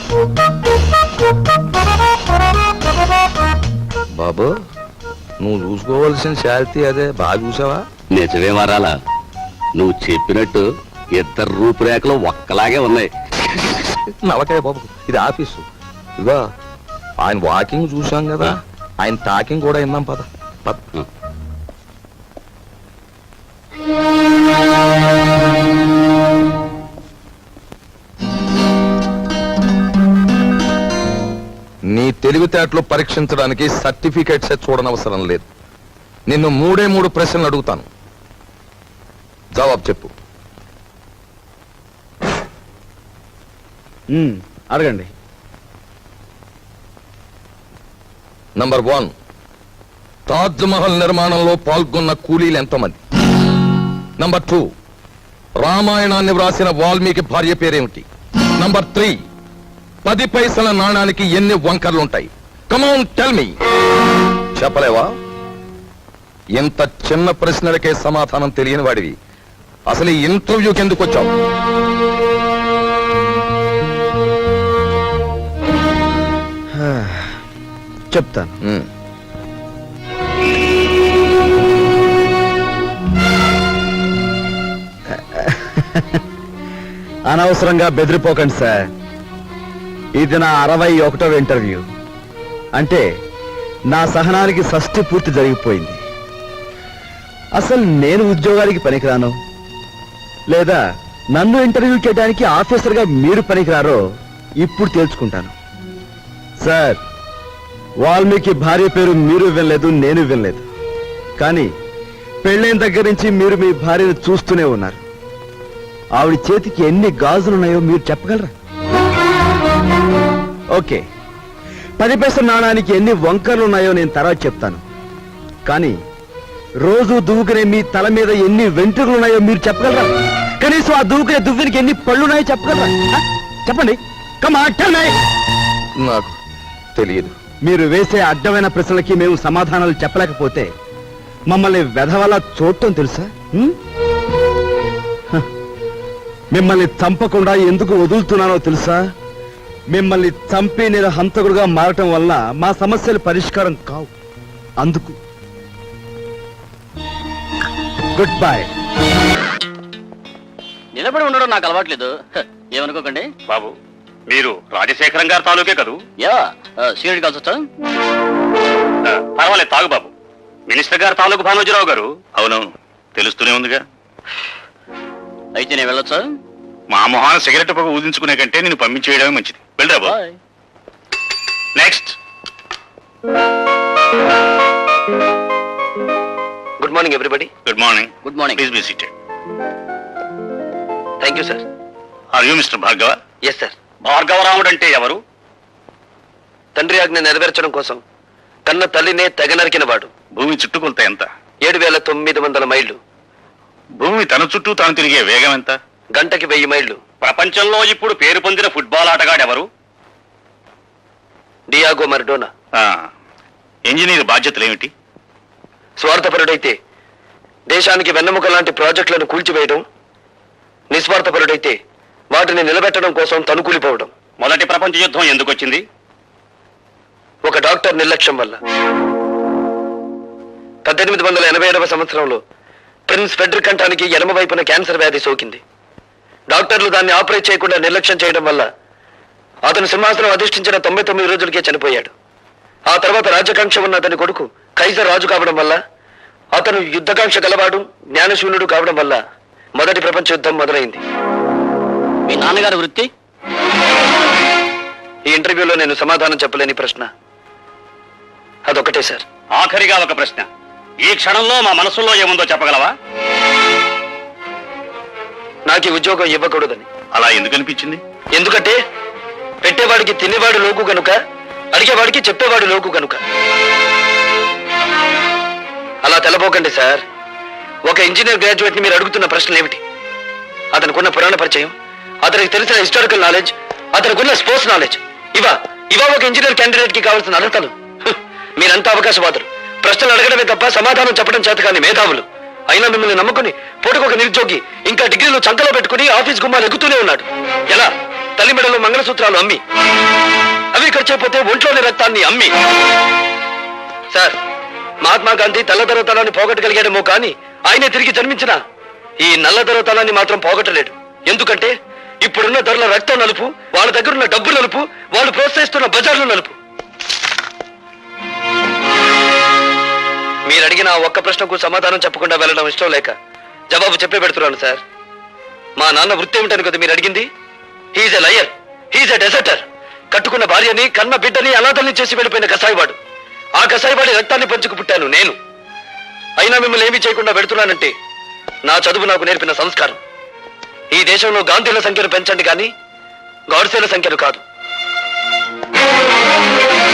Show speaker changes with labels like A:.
A: బాబు, నువ్వు చూసుకోవాల్సిన శాలిటీ అదే. బాగా చూసావా?
B: నిజమే వరాలా, నువ్వు చెప్పినట్టు ఇద్దరు రూపురేఖలు ఒక్కలాగే ఉన్నాయి.
A: నవకాయ బాబు, ఇది ఆఫీసు. ఇదిగో ఆయన వాకింగ్ చూసాం కదా, ఆయన టాకింగ్ కూడా విన్నాం. పద పద. నీ తెలివితేటలు పరీక్షించడానికి సర్టిఫికేట్స్ చూడనవసరం లేదు. నిన్ను 3 ప్రశ్నలు అడుగుతాను, జవాబు చెప్పు.
C: అడగండి.
A: నంబర్ 1, తాజ్ మహల్ నిర్మాణంలో పాల్గొన్న కూలీలు ఎంతమంది? నంబర్ 2, రామాయణాన్ని వ్రాసిన వాల్మీకి భార్య పేరేమిటి? నంబర్ 3, 10 పైసల నాణానికి ఎన్ని వంకర్లుంటాయి? Come on tell me. చెప్పలేవా? ఇంత చిన్న ప్రశ్నలకే సమాధానం తెలియని వాడివి అసలు ఈ ఇంటర్వ్యూకి ఎందుకు వచ్చావు?
C: చెప్తాను. అనవసరంగా బెదిరిపోకండి సార్. ఇది నా 61వ ఇంటర్వ్యూ. అంటే నా సహనానికి షష్ఠి పూర్తి జరిగిపోయింది. అసలు నేను ఉద్యోగానికి పనికిరాను, లేదా నన్ను ఇంటర్వ్యూ చేయడానికి ఆఫీసర్గా మీరు పనికిరారో ఇప్పుడు తేల్చుకుంటాను. సార్, వాల్మీకి భార్య పేరు మీరు వినలేదు, నేను వినలేదు. కానీ పెళ్ళైన దగ్గర నుంచి మీరు మీ భార్యను చూస్తూనే ఉన్నారు. ఆవిడ చేతికి ఎన్ని గాజులున్నాయో మీరు చెప్పగలరా? ఓకే, 10 పైసల నాణానికి ఎన్ని వంకర్లున్నాయో నేను తర్వాత చెప్తాను. కానీ రోజు దువ్వుకునే మీ తల మీద ఎన్ని వెంట్రుకలున్నాయో మీరు చెప్పగలరా? కనీసం ఆ దువ్వుకునే దువ్వునికి ఎన్ని పళ్ళున్నాయో చెప్పగలరా? చెప్పండి.
A: నాకు తెలియదు.
C: మీరు వేసే అడ్డమైన ప్రశ్నలకి మేము సమాధానాలు చెప్పలేకపోతే మమ్మల్ని వెధవలా చూడటం తెలుసా? మిమ్మల్ని చంపకుండా ఎందుకు వదులుతున్నానో తెలుసా? మిమ్మల్ని చంపి నేను హంతకుడుగా మారటం వల్ల మా సమస్యలు పరిష్కారం కావు. అందుకు గుడ్ బై.
B: నిలబడి ఉండడం నాకు అలవాట్లేదు, ఏమనుకోకండి.
D: బాబు, మీరు రాజశేఖరం గారి తాలూకే కదూ?
B: యా, సీనియర్ కలిసి వచ్చా?
D: పర్వాలేదు, తాగు బాబు. మినిస్టర్ గారు తాలూకు భానోజీరావు గారు. అవునవును, తెలుస్తూనే ఉందిగా.
B: అయితే నేను వెళ్ళొచ్చా?
D: మా మొహాన సిగరెట్ పొగ ఊదించుకునే కంటే నేను పంపించేయడమే మంచిది. వెళ్ళరా బాబు. Next.
E: Good morning everybody.
D: Good morning.
B: Good morning.
D: Please be seated.
E: Thank you sir.
D: Are you mister Bhargava?
E: Yes sir.
D: Bhargavaramudu అంటే ఎవరు?
E: తండ్రి ఆజ్ఞ నెరవేర్చడం కోసం కన్న తల్లినే తెగ నరికిన వాడు.
D: భూమి చుట్టుకొలత ఎంత?
E: 7,900 మైళ్ళు.
D: భూమి తన చుట్టూ తాను తిరిగే వేగం ఎంత?
E: గంటకి 1000 మైళ్ళు.
D: ప్రపంచంలో ఇప్పుడు పేరు పొందిన ఫుట్బాల్ ఆటగాడెవరు?
E: Diego Maradona.
D: ఇంజనీర్ బాధ్యతలు ఏమిటి?
E: స్వార్థపరుడైతే దేశానికి వెన్నెముక లాంటి ప్రాజెక్టులను కూల్చివేయడం, నిస్వార్థపరుడైతే వాటిని నిలబెట్టడం కోసం తనుకూలిపోవడం.
D: మొదటి ప్రపంచ యుద్ధం ఎందుకు వచ్చింది?
E: ఒక డాక్టర్ నిర్లక్ష్యం వల్ల. 1887వ సంవత్సరంలో ప్రిన్స్ ఫెడ్రిక్ కంఠానికి ఎడమ వైపున క్యాన్సర్ వ్యాధి సోకింది. డాక్టర్లు దాన్ని ఆపరేట్ చేయకుండా నిర్లక్ష్యం చేయడం వల్ల అతను సింహాసనం అధిష్ఠించిన 99 రోజులకే చనిపోయాడు. ఆ తర్వాత రాజకాంక్ష ఉన్న అతని కొడుకు కైజర్ రాజు కావడం వల్ల, అతను యుద్ధకాంక్ష గలవాడు, జ్ఞానశూన్యుడు కావడం వల్ల మొదటి ప్రపంచ యుద్ధం మొదలైంది.
B: మీ నాన్నగారి వృత్తి?
E: ఈ ఇంటర్వ్యూలో నేను సమాధానం చెప్పలేని ప్రశ్న అదొకటే సార్.
D: ఆఖరిగా ఒక ప్రశ్న. ఈ క్షణంలో మా మనసులో ఏముందో చెప్పగలవా?
E: నాకు ఈ ఉద్యోగం ఇవ్వకూడదని.
D: అలా ఎందుకు అనిపించింది?
E: ఎందుకంటే పెట్టేవాడికి తినేవాడు లోకు గనుక, అడిగేవాడికి చెప్పేవాడు లోకు గనుక. అలా తెలబోకండి సార్. ఒక ఇంజనీర్ గ్రాడ్యుయేట్ ని మీరు అడుగుతున్న ప్రశ్నలు ఏమిటి? అతనికున్న పురాణ పరిచయం, అతనికి తెలిసిన హిస్టారికల్ నాలెడ్జ్, అతనికున్న స్పోర్ట్స్ నాలెడ్జ్, ఇవా ఒక ఇంజనీర్ క్యాండిడేట్ కి కావాల్సిన అర్హతలు. మీరంతా అవకాశవాదులు. ప్రశ్నలు అడగడమే తప్ప సమాధానం చెప్పడం చేతకాని మేధావులు. అయినా మిమ్మల్ని నమ్ముకుని పూటకొక నిరుద్యోగి ఇంకా డిగ్రీలు చంకలో పెట్టుకుని ఆఫీస్ గుమ్మాలు ఎక్కుతూనే ఉన్నాడు. ఎలా తల్లిమెడలో మంగళసూత్రాలు అమ్మి, అవి ఖర్చైపోతే ఒంట్లోని రక్తాన్ని అమ్మి. సార్, మహాత్మా గాంధీ తెల్లదొరతనాన్ని పోగొట్టగలిగాడేమో కానీ ఆయనే తిరిగి జన్మించిన ఈ నల్లదొరతనాన్ని మాత్రం పోగొట్టలేడు. ఎందుకంటే ఇప్పుడున్న ధరల రక్తం నలుపు, వాళ్ళ దగ్గరున్న డబ్బు నలుపు, వాళ్ళు ప్రోత్సహిస్తున్న బజార్లు నలుపు. మీరు అడిగిన ఆ ఒక్క ప్రశ్నకు సమాధానం చెప్పకుండా వెళ్ళడం ఇష్టం లేక జవాబు చెప్పే పెడుతున్నాను సార్. మా నాన్న వృత్తి ఏమిటని కదా మీరు అడిగింది? He's a liar, he's a deserter. కట్టుకున్న భార్యని, కన్న బిడ్డని అనాథల్ని చేసి వెళ్ళిపోయిన కసాయివాడు. ఆ కసాయివాడి రక్తాన్ని పంచుకు పుట్టాను నేను. అయినా మిమ్మల్ని ఏమీ చేయకుండా పెడుతున్నానంటే నా చదువు నాకు నేర్పిన సంస్కారం. ఈ దేశంలో గాంధీల సంఖ్యను పెంచండి కానీ గాడ్సేల సంఖ్యను కాదు.